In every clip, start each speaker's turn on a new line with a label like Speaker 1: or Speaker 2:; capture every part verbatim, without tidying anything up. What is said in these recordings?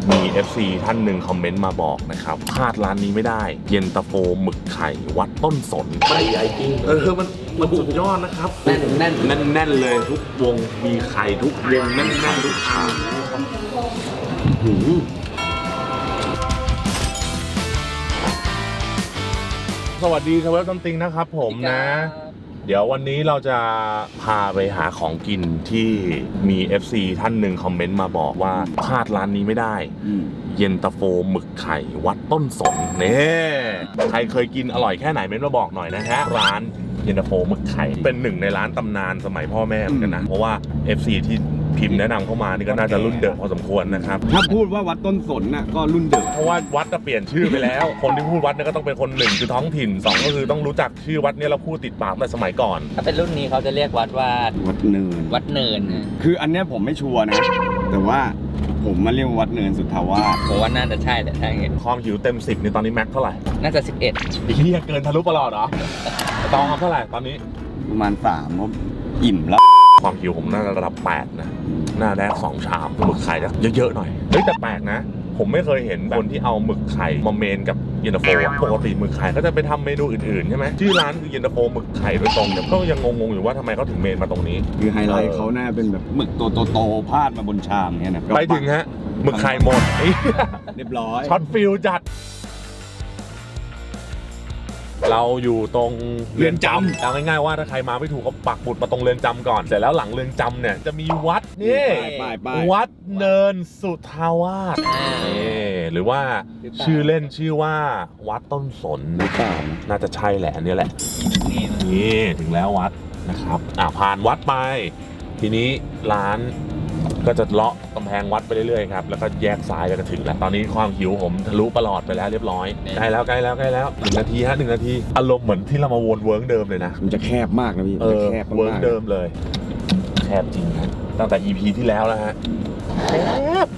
Speaker 1: มี เอฟ ซี ท่านหนึ่งคอมเมนต์มาบอกนะครับพลาดร้านนี้ไม่ได้เย็นตาโฟหมึกไข่วัดต้นสนไม่ใหญ่จริงเออมันมันสุดยอดนะครับแน่นแน่นแน่นแน่นเลยทุกวงมีไข่ทุกวงแน่นแน่นทุกชามสวัสดีทเวลซัมติงนะครับผมนะเดี๋ยววันนี้เราจะพาไปหาของกินที่มี เอฟ ซี ท่านหนึ่งคอมเมนต์มาบอกว่าพลาดร้านนี้ไม่ได้เย็นตาโฟหมึกไข่วัดต้นสนเนี่ยใครเคยกินอร่อยแค่ไหนเม้นมาบอกหน่อยนะฮะร้านเย็นตาโฟหมึกไข่เป็นหนึ่งในร้านตำนานสมัยพ่อแม่เหมือนกันนะเพราะว่า เอฟ ซี ที่พิมพ์แนะนำเข้ามานี่ก็น่าจะรุ่นเดิมพอสมควรนะครับ
Speaker 2: ถ้าพูดว่าวัดต้นสนน่ะก็รุ่นเดิม
Speaker 1: เพราะว่าวัดจะเปลี่ยนชื่อไปแล้วคนที่พูดวัดเนี่ยก็ต้องเป็นคนหนึ่งคือท้องถิ่นสองก็คือต้องรู้จักชื่อวัดเนี่ยเราพูดติดปากแต่สมัยก่อน
Speaker 3: ถ้าเป็นรุ่นนี้เขาจะเรียกวัดว่า
Speaker 2: วัดเนิน
Speaker 3: วัดเนิน
Speaker 2: คืออันเนี้ยผมไม่ชัวร์นะแต่ว่าผมมาเรียกวัดเนินสุทธาวาส
Speaker 3: ผมว่าน่าจะใช่แหละใช่ไง
Speaker 1: ความหิวเต็มสิบในตอนนี้แม็กเท่าไหร่
Speaker 3: น่าจะสิบเอ็ด
Speaker 1: อีกที่เกินทะลุประหลอดเหรอตองเท่าไหร่ตอนนี้
Speaker 2: ประมาณสามผมอิ่มแล้ว
Speaker 1: ความหิวผมน่าจะระดับแปดนะหน้าแรกสองชามหมึกไข่จะเยอะๆหน่อยเฮ้ยแต่แปลกนะผมไม่เคยเห็นคนที่เอาหมึกไข่มาเมนกับเย็นตาโฟปกติหมึกไข่ก็จะไปทำเมนูอื่นๆใช่ไหมชื่อร้านคือเย็นตาโฟหมึกไข่โดยตรงเนี่ยก็ยังงงๆอยู่ว่าทำไมเขาถึงเมนมาตรงนี้
Speaker 2: คือไฮไลท์เขาน่าเป็นแบบหมึกตัวโตๆพาดมาบนชามเนี่ยนะ
Speaker 1: ไปถึงฮะหมึกไข่หมด
Speaker 2: เรียบร้อย
Speaker 1: ช็อตฟิลจัดเราอยู่ตรงเรือนจำเอาง่ายๆว่าถ้าใครมาไม่ถูกก็ปักหมุดมาตรงเรือนจำก่อนเสร็จแล้วหลังเรือนจำเนี่ยจะมีวัดนี่วัดเนินสุทธาวาสหรือว่าชื่อเล่นชื่อว่าวัดต้นสนนะครับน่าจะใช่แหละอันนี้แหละนี่ถึงแล้ววัดนะครับอ่ะผ่านวัดไปทีนี้ร้านก็จะเลาะกำแพงวัดไปเรื่อยๆครับแล้วก็แยกซ้ายแล้วก็ถึงแล้วตอนนี้ความหิวผมทะลุประหลอดไปแล้วเรียบร้อยใกล้แล้วใกล้แล้วใกล้แล้วหนึ่งนาทีฮะหนึ่งนาทีอารมณ์เหมือนที่เรามาวนเวิร์กเดิมเลยนะ
Speaker 2: มันจะแคบมากนะพี่
Speaker 1: เออแคบเวิร์กเดิมเลยแคบจริงฮะตั้งแต่ อี พี ที่แล้วแล้วฮะแคบ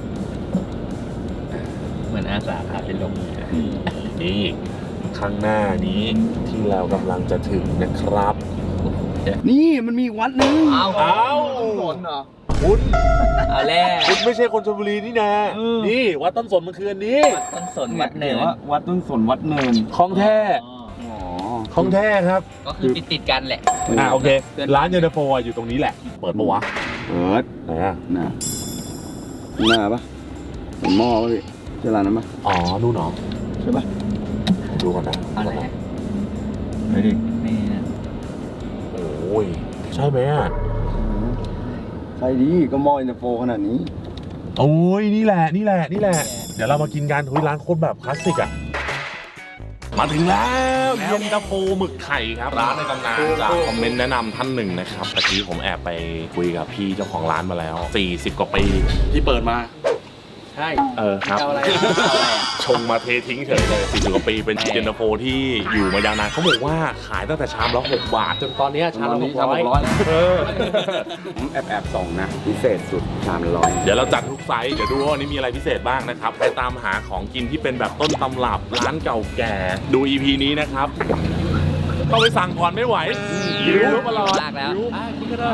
Speaker 3: เหมือนอาสาพาไปลง
Speaker 1: นี่ข้างหน้านี้ที่เรากำลังจะถึงนะครับ
Speaker 2: นี่มันมีวัดนึง
Speaker 3: เอา
Speaker 1: เอา
Speaker 3: สนเหรอ
Speaker 1: คุณ
Speaker 3: เอาแล้ว
Speaker 1: คุณไม่ใช่คนชลบุรีนี่นะนี่วัดต้นสนมันคืออันนี้
Speaker 3: วัดต้นสนวัดเนิน
Speaker 2: วัดต้นสนวัดเนิน
Speaker 1: ของแท้ของแท้ครับ
Speaker 3: ก็คือติดติดกันแหละ
Speaker 1: อ่าโอเคร้านเย็นตาโฟอยู่ตรงนี้แหละเปิดปะวะ
Speaker 2: เปิด
Speaker 1: ไหนอ่ะ
Speaker 2: น่ะหน้าปะหม้อปะพี่ใช่ร้านนั้นปะ
Speaker 1: อ๋อนู่นหรอ
Speaker 2: ใช่ปะ
Speaker 1: ดูก่อนนะ
Speaker 3: อะไร
Speaker 1: ไหนดิ
Speaker 3: นี่นะ
Speaker 1: โอ้ยใช่ไหมอ่ะ
Speaker 2: ใช่ดิก็หม้อเย็นตาโฟขนาดนี้
Speaker 1: โอ้ยนี่แหละนี่แหละนี่แหละเดี๋ยวเรามากินกันทุยร้านโคตรแบบคลาสสิกอ่ะมาถึงแล้วเย็นตาโฟหมึกไข่ครับร้านในตำนานจากคอมเมนต์แนะนำท่านหนึ่งนะครับตะกี้ผมแอบไปคุยกับพี่เจ้าของร้านมาแล้วสี่สิบกว่าปีที่เปิดมา
Speaker 3: ใช่
Speaker 1: เออครับ
Speaker 3: อะไร
Speaker 1: ชงมาเททิ้งเฉยเลยสี่สิบกว่าปีเป็นเย็นตาโฟที่อยู่มายาวนานเขาบอกว่าขายตั้งแต่ชามละหกบาทจนตอนนี้ชามละหกร้อยเออ
Speaker 2: ผมแอบแอบส่งนะพิเศษสุดชามละร้อย
Speaker 1: เดี๋ยวเราจัดทุกไซส์เดี๋ยวดูว่าวันนี้มีอะไรพิเศษบ้างนะครับไปตามหาของกินที่เป็นแบบต้นตำรับร้านเก่าแก่ดู อี พี นี้นะครับก็ไปสั่งก่อนไม่ไหวหิวมาลอด
Speaker 3: ลากแล้ว
Speaker 1: กินก็ได้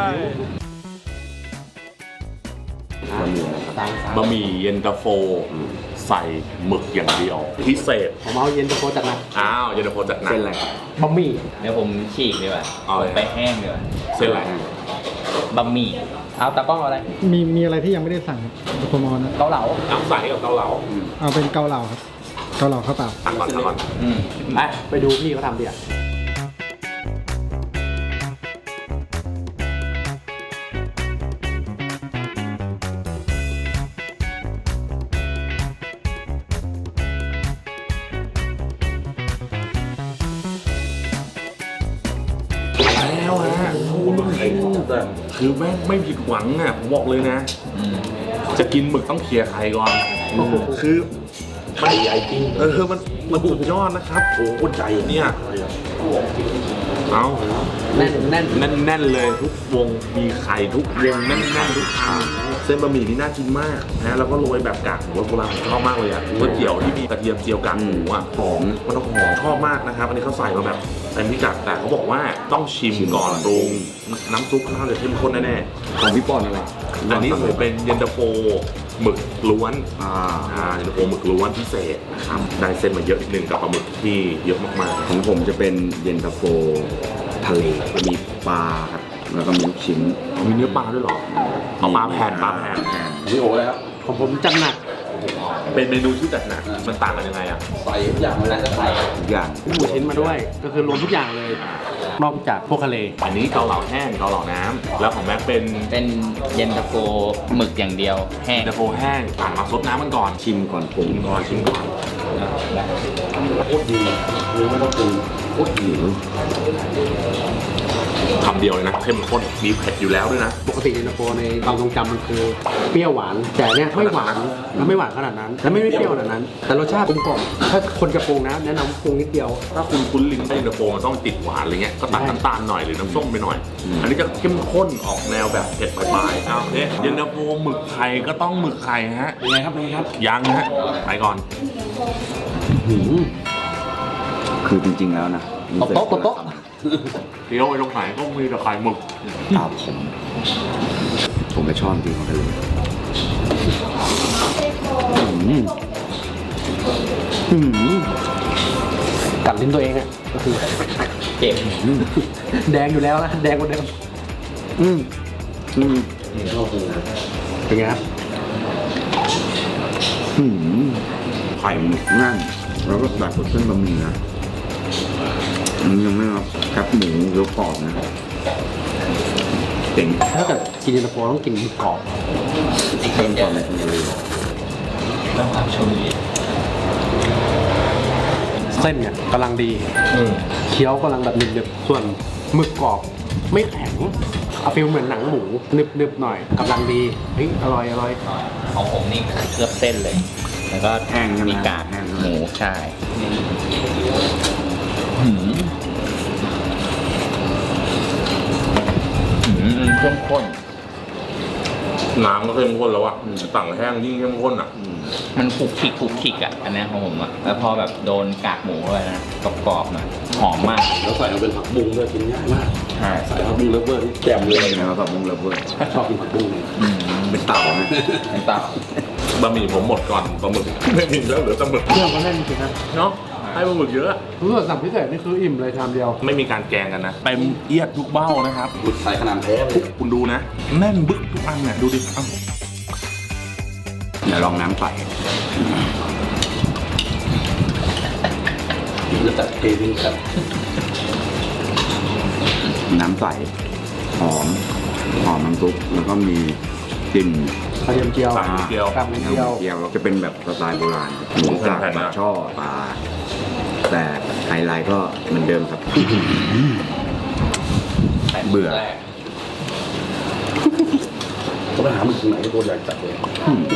Speaker 1: บะหมี่เย็นตาโฟใส่หมึกอย่างเดียวพิเศษ
Speaker 3: ผมเอาเย็นตาโฟจัดหนัก
Speaker 1: อ้าวเย็นตาโฟจัดหนัก
Speaker 2: เส้นอะไร
Speaker 3: บะหมี่เดี๋ยวผมฉีกดีกว่าเอาไปแห้งดีกว่า
Speaker 1: เส้นอะไร
Speaker 3: บะหมี่เอาตะก้องอะไร
Speaker 4: มีมีอะไรที่ยังไม่ได้สั่งครับผมนะ
Speaker 3: เกาเหลา
Speaker 1: เอาใส่กับเกาเหลา
Speaker 4: เอาเป็นเกาเหลาครับเกาเหลาข้าวเปล่า
Speaker 1: ตักก่อนตักก่อน
Speaker 3: ไปไปดูพี่เขาทำดิอ่ะ
Speaker 1: แล้วฮะโอ้หมึกไข่แต่คือแม่งไม่ผิดหวังอ่ะผมบอกเลยนะจะกินหมึกต้องเคลียร์ไข่ก่อนคือไม่ใหญ่จริงเออมันมันสุดยอดนะครับโอ้โหใจเนี่ยเอา
Speaker 3: แน่นแน่น
Speaker 1: แน่นแน่นเลยทุกวงมีไข่ทุกวงแน่นแน่นทุกชามเส้นบะหมี่นี่น่ากินมากนะแล้วก็โรยแบบกากหมูโบราณชอบมากเลยอ่ะก๋วยเตี๋ยวที่มีกระเทียมเจียวกากหมูอ่ะหอมมันต้องหอมชอบมากนะครับอันนี้เขาใส่มาแบบเต็มพิกัดแต่เขาบอกว่าต้องชิมก่อนปรุงน้ำซุปข้าวจะเข้มข้นแน่
Speaker 2: ๆของพี่ปอนอะไร
Speaker 1: อันนี้ผมเป็นเย็นตาโฟหมึกล้วน
Speaker 2: อ่า
Speaker 1: อ่าเย็นตาโฟหมึกล้วนพิเศษนะครับได้เส้นมาเยอะนิดนึงกับปลาหมึกที่เยอะมากๆ
Speaker 2: ของผมจะเป็นเย็นตาโฟทะเลจะมีปลาครับแล้วก็มีลูกชิ้น
Speaker 1: มีเนื้อปลาด้วยเหรอเอาปลาแผ่นปลาแผ่น
Speaker 5: พี่โอ้แล้ว
Speaker 4: ของผมจัดหนัก
Speaker 1: เป็นเมนูที่จัดหนักมันต่างกันยังไงอ่ะ
Speaker 5: ใส่ทุกอย่างเลยนะใส่
Speaker 2: ทุกอย่าง
Speaker 4: หมูชิ้นมาด้วย ก็คือรวมทุกอย่างเลย นอกจากพวกทะเล
Speaker 1: อันนี้เกาเหลาแห้งเกาเหลาน้ำแล้วของแม็กเป็น
Speaker 3: เป็นเย็นตาโฟหมึกอย่างเดียวแห้ง
Speaker 1: เย็นตาโฟแห้งผ่านมาซดน้ำมันก่อน
Speaker 2: ชิมก่อนปรุง
Speaker 1: ชิมก่อนชิมก่อน
Speaker 5: โคตรดีคือไม่ต้องปรุงโคตรดี
Speaker 1: คำเดียวเลยนะเข้มข้นมีเผ็ดอยู่แล้วด้วยนะ
Speaker 4: ปกติเย็นตาโฟในความทรงจำมันคือเปรี้ยวหวาน แต่เนี้ยไม่หวานแล้วไม่หวานขนาดนั้น แล้วไม่ไม่เปรี้ยวขนาดนั้น แต่รสชาติกลมกล่อมถ้าคนจะปรุงนะแนะนำปรุงนิดเดียว
Speaker 1: ถ้าคุณคุ้นลิ้นเย็นตาโฟมันต้องติดหวานอะไรเงี้ยก็ตัดน้ำตาลหน่อยหรือน้ำส้มไปหน่อย อันนี้จะเข้มข้นออกแนวแบบเผ็ดปลายๆเอาเนี่ยเย็นตาโฟหมึกไข่ก็ต้องหมึกไข่ฮะ
Speaker 5: เป็นไงครับเป็นไงครับ
Speaker 1: ยังฮะไปก่อน
Speaker 2: คือจริงๆแล้วนะ
Speaker 5: ตบโต๊ะตบโต๊ะ
Speaker 1: เดี๋ยวไอ้ตรงไหนก็มีแต่ไข่หมึก
Speaker 2: ตาผม ผมก็ชอบจริงของทะเลอืมอืม
Speaker 4: กัดลิ้นตัวเองอ่ะก็คือ
Speaker 3: เจ็บ
Speaker 4: แดงอยู่แล้วนะแดงกว่าเดิม
Speaker 2: อืมอืม
Speaker 4: เป็นไงครับ
Speaker 2: อืมไข่หมึกนั่นแล้วก็ตัดกับเส้นบะหมี่นะมันยังไม่รับครับหมูเกี๊ยวกรอบนะเจ๋ง
Speaker 4: ถ้าเกิดกินเย็นตาโฟต้องกินหมึกกรอบ
Speaker 3: อีก
Speaker 2: เพิ่ม
Speaker 3: เย
Speaker 2: ควา
Speaker 3: อะ
Speaker 2: มในทะเล
Speaker 3: ต้องทำชมดี
Speaker 4: เส้นเนี่ยกำลังดีเคี้ยวกำลังแบบหนึบๆส่วนหมึกกรอบไม่แข็งเอาฟิลเหมือนหนังหมูหนึบๆหน่อยกำลังดีเฮ้ยอร่อยอร่อย
Speaker 3: ของผมนี่เคลือบเส้นเลย แล้วก็
Speaker 2: แห้งใช่ไหม
Speaker 3: มีกาก
Speaker 2: แห้ง
Speaker 3: หมูใช่หืมหืมเข้มข้น
Speaker 1: น้ำก็เข้มข้นแล้วอะต่างแห้งยิ่งเข้มข้นอะ
Speaker 3: มันคลุกคลิกคลุกคลิกอ่ะ อันเนี้ยของผมอ่ะ แล้วพอแบบโดนกากหมูเข้าไปนะกรอบๆหน่อย หอมมาก
Speaker 5: แล้วใส่มาเป็นผักบุ้งด้วยกินง่ายมาก
Speaker 3: ใช่
Speaker 5: ใส่ผักบุ้งเลฟเวอร์ที่แจ่มเลย
Speaker 2: นะครับแบบมุงระเบิด
Speaker 5: ชอบกินผักบุ้งเนี่ย
Speaker 3: อืม
Speaker 2: เป็นเต่าไหม
Speaker 3: เป็นเต่า
Speaker 1: บะหมี่ผมหมดก่อนปลาหมึก ไม่มีแล้วเหลือแต่หมึก
Speaker 4: เครื่องก็แน่นจริงๆนะ
Speaker 1: เนาะให้ปลาหมึกเยอะ
Speaker 4: รู้สึกสั่งพิเศษนี่คืออิ่มเลยชามเดียว
Speaker 1: ไม่มีการแกงกันนะเต็มเอียดทุกเบ้านะครับ
Speaker 5: บุดใส่ขนาดแท้เลย
Speaker 1: คุณดูนะแน่นบึกทุกอันเนี่ยดูดิเอ้า
Speaker 2: เดี๋ยวลองน้ำใส
Speaker 5: จะจัดเททิ้งครับ
Speaker 2: น้ำใสหอมหอมน้ำซุปแล้วก็มีกลิ่น
Speaker 4: กระเทียมเจียว
Speaker 1: ใส่เกี๊ยว
Speaker 4: กับนิดเดียว
Speaker 2: เกี๊ยวแล้วจะเป็นแบบสไตล์โบราณหมูสับ
Speaker 1: แผ่นๆ
Speaker 2: ปลา
Speaker 1: นะ
Speaker 2: ช่อปลาแต่ไฮไลท์ก็เหมือนเดิมครับ เบื่อ
Speaker 3: แรก
Speaker 5: ก็ไปหาหมึกตรงไหนก็ตัวใหญ่จัดเลย
Speaker 2: อืม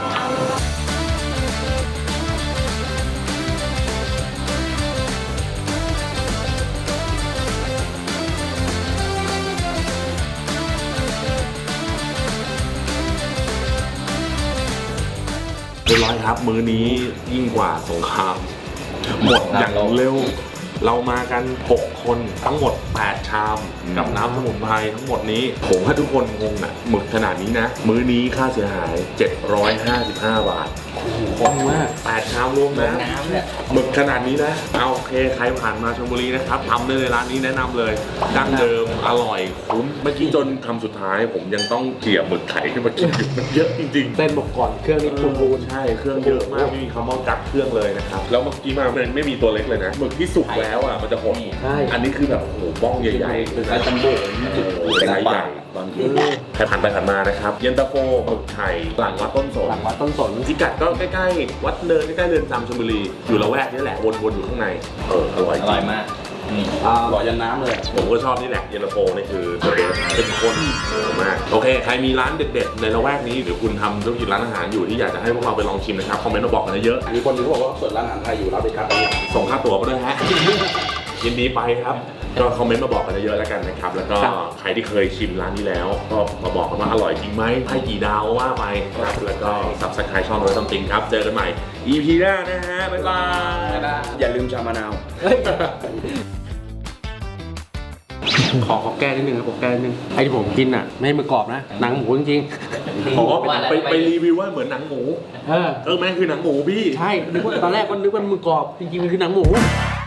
Speaker 1: เรียบร้อยครับ มื้อนี้ยิ่งกว่าสงครามหมดอย่างเร็ว เรามากัน หก คนทั้งหมด แปด ชาม กับน้ำสมุนไพรทั้งหมดนี้ ผมให้ทุกคนงงอ่ะหมึกขนาดนี้นะ มื้อนี้ค่าเสียหาย เจ็ดร้อยห้าสิบห้า บาท
Speaker 4: คงมาก
Speaker 1: แปด ชามรวม
Speaker 3: ลง
Speaker 1: นะ
Speaker 3: น้ำเนี่ย
Speaker 1: หมึกขนาดนี้นะ เอาโอเค ใครผ่านมาชลบุรีนะครับทำได้เลยร้านนี้แนะนำเลยดั้งเดิม อร่อย คุ้ม เมื่อกี้จนคำสุดท้าย ผมยังต้องเกี่ยหมึกไข่ขึ้นมากินอยู่มันเยอะจริงๆ
Speaker 4: เส้นบอกก่อนเครื่องนี้ปรุงรูน
Speaker 1: ใช่ เครื่องเยอะมาก ไม่มีคำว่ากัดเครื่องเลยนะครับ แล้วเมื่อกี้มามันไม่มีตัวเล็กเลยนะ หมึกที่สุกแล้วอ่ะ มันจะหด
Speaker 4: ใช่
Speaker 1: อันนี้คือแบบโอ้โหบ้องใหญ่ๆคือ
Speaker 5: ไอ้จัมโบ้
Speaker 1: ไซส์ใหญ่
Speaker 5: ตอน
Speaker 1: ใครผ่านไปผ่านมานะครับ เย็นตาโฟหมึกไข่หลังวัดต้นสน
Speaker 4: หลังวัดต้นสน
Speaker 1: พิกัดก็ใกล้ๆ วัดเนินใกล้ๆเรือนจำชลบุรี อยู่ละแวกนี้แหละ วนๆ อยู่ข้างใน เออ อร่อยจ
Speaker 3: อ
Speaker 1: ริง
Speaker 3: ร่อยมากนี่
Speaker 5: อร่อยยันน้ำเลย
Speaker 1: ผมก็ชอบนี่แหละเย็นตาโฟนี่คือเบสเป็นคนมากโอเคใครมีร้านเด็ดๆในละแวกนี้หรือคุณทำธุรกิจร้านอาหารอยู่ที่อยากจะให้พวกเราไปลองชิมนะครับคอมเมนต์มาบอกกันเยอะ
Speaker 5: มีคนหนึงเขาบอกว่าเปิดร้านอาหารไทยอยู่รับไปครับอันนี้
Speaker 1: ส่งค่าตั๋วมาด้วยฮะ ยินดีไปครับก็คอมเมนต์มาบอกกันเยอะๆแล้วกันนะครับแล้วก็ใครที่เคยชิมร้านนี้แล้วก็มาบอกกันว่าอร่อยจริงไหมให้กี่ดาวว่าไปครับแล้วก็ Subscribe ช่องเราซัมติงครับเจอกันใหม่ อี พี หน้านะฮะบ๊ายบาย
Speaker 2: อย่าลืมชามะนาว
Speaker 4: เฮ้ยขอขอแก้นิดนึงครับขอแก้นิดนึงไอ้ที่ผมกินอ่ะไม่ใช่หมึกกรอบนะหนังหมูจริง
Speaker 1: อ๋อไปไปรีวิวว่าเหมือนหนังหมู
Speaker 4: ๆเออ
Speaker 1: เออแม่งคือหนังหมูพี่
Speaker 4: ใช่นึกว่าตอนแรกก็นึกว่าหมึกกรอบจริงๆมันคือหนังหมู